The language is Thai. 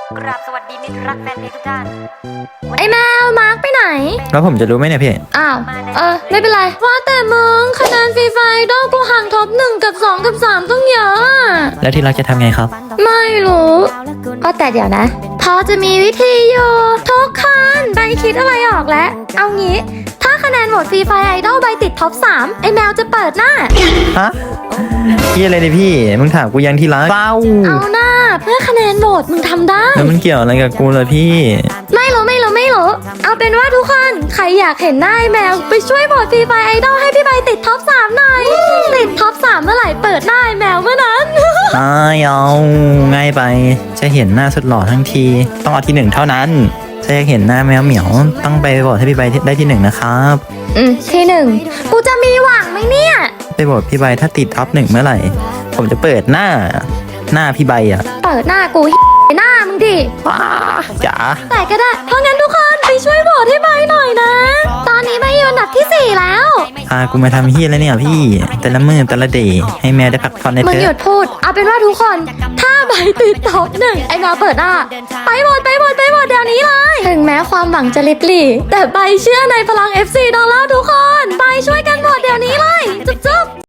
กราบสวัสดีมิตรรักแฟนเพลงทุกท่านไอ้แมวมาร์กไปไหนแล้วผมจะรู้ไหมเนี่ยพี่อ้าวไม่เป็นไรว่าแต่มึงคะแนนฟรีไฟดอลกูห่างท็อป1กับ2กับ3ต้องเยอะอะแล้วที่รักจะทำไงครับไม่รู้ก็แต่เดี๋ยวนะพอจะมีวิธีอยู่ทุกคนใบคิดอะไรออกแล้ว เอางี้ถ้าคะแนนโหวตฟรีไฟไอดอลใบติดท็อป3ไอ้แมวจะเปิดหน้าฮะพี่อะไรเนี่ยพี่ มึงถามกูยังที่รักเป้าเอาหน้าเพื่อคะแนนโหวตมึงทำได้แล้วมันเกี่ยวอะไรกับกูล่ะพี่ไม่รู้เอาเป็นว่าทุกคนใครอยากเห็นหน้าไอ้แมวไปช่วยโหวตฟรีไฟไอดอลให้พี่ใบติดท็อป3หน่อยติดท็อป3เมื่อไหร่เปิดหน้าไอ้แมวเมื่อนั้นเอาง่ายไป จะเห็นหน้าสุดหล่อทั้งที ต้องเอาที่ 1เท่านั้นถ้าอยากเห็นหน้าแมวเหมียวต้องไปโหวตให้พี่ใบได้ที่ 1นะครับที่1กูจะมีหวังไหมเนี่ยไปโหวตพี่ใบถ้าติดท็อป 1เมื่อไหร่ ผมจะเปิดหน้าพี่ใบอ่ะเปิดหน้ากู หน้ามึงดิว้าจ๋าแต่ก็ได้เพราะงั้นทุกคนไปช่วยโหวตให้ใบหน่อยนะ ตอนนี้ใบอยู่อันดับที่4แล้วพากูมาทำเฮียแล้วเนี่ยพี่ แต่ละมือแต่ละเดย์ให้แมวได้พักผ่อนในมึงเถหยุอะดพูดเอาเป็นว่าทุกคนถ้าใบติดท็อป1ไอ้แมวเปิดหน้าไปโหวตเดี๋ยวนี้เลยถึงแม้ความหวังจะลิบหลี่แต่ใบเชื่อในพลัง FC ดอลลาร์ทุกคนไปช่วยกันโหวตเดี๋ยวนี้เลยจุ๊บ